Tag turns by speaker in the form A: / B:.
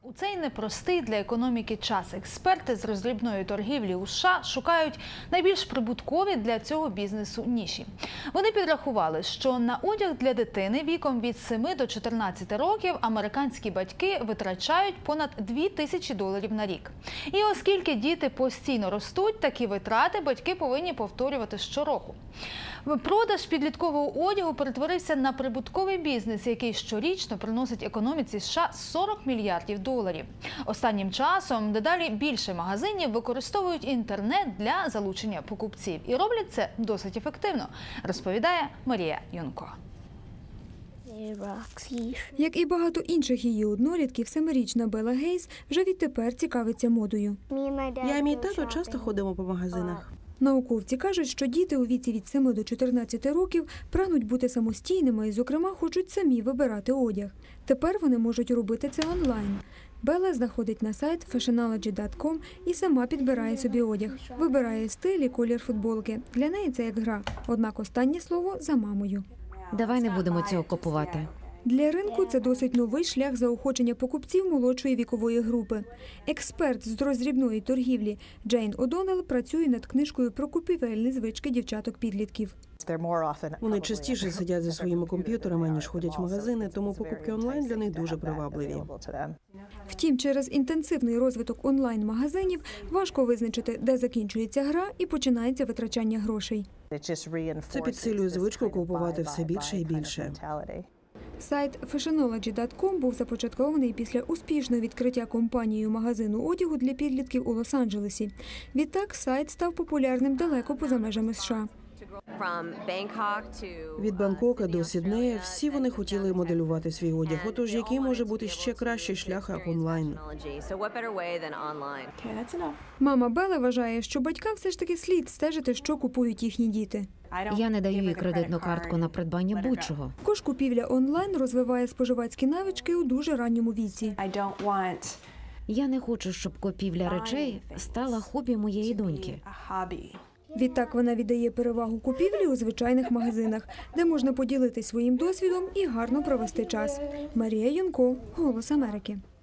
A: У цей непростий для економіки час експерти з роздрібної торгівлі у США шукають найбільш прибуткові для цього бізнесу ніші. Вони підрахували, що на одяг для дитини віком від 7 до 14 років американські батьки витрачають понад $2000 на рік. І оскільки діти постійно ростуть, такі витрати батьки повинні повторювати щороку. Продаж підліткового одягу перетворився на прибутковий бізнес, який щорічно приносить економіці США $40 мільярдів. Останнім часом дедалі більше магазинів використовують інтернет для залучення покупців. І роблять це досить ефективно, розповідає Марія Юнко.
B: Як і багато інших її однолітків, 7-річна Белла Гейс вже відтепер цікавиться модою.
C: Я і мій тато часто ходимо по магазинах.
B: Науковці кажуть, що діти у віці від 7 до 14 років прагнуть бути самостійними і, зокрема, хочуть самі вибирати одяг. Тепер вони можуть робити це онлайн. Белла заходить на сайт fashionology.com і сама підбирає собі одяг. Вибирає стиль і колір футболки. Для неї це як гра. Однак останнє слово за мамою.
D: Давай не будемо цього купувати.
B: Для ринку це досить новий шлях заохочення покупців молодшої вікової групи. Експерт з роздрібної торгівлі Джейн О'Доннелл працює над книжкою про купівельні звички дівчаток-підлітків.
C: Вони частіше сидять за своїми комп'ютерами, ніж ходять в магазини, тому покупки онлайн для них дуже привабливі.
B: Втім, через інтенсивний розвиток онлайн-магазинів важко визначити, де закінчується гра і починається витрачання грошей.
C: Це підсилює звичку купувати все більше і більше.
B: Сайт fashionology.com був започаткований після успішного відкриття компанією магазину одягу для підлітків у Лос-Анджелесі. Відтак сайт став популярним далеко поза межами США.
C: Від Бангкока до Сіднея всі вони хотіли моделювати свій одяг. Отож, який може бути ще кращий шлях, як онлайн?
B: Мама Белли вважає, що батькам все ж таки слід стежити, що купують їхні діти.
D: Я не даю їй кредитну картку на придбання будь-чого.
B: Також купівля онлайн розвиває споживацькі навички у дуже ранньому віці.
D: Я не хочу, щоб купівля речей стала хобі моєї доньки.
B: Відтак вона віддає перевагу купівлі у звичайних магазинах, де можна поділитися своїм досвідом і гарно провести час. Марія Юнко, «Голос Америки».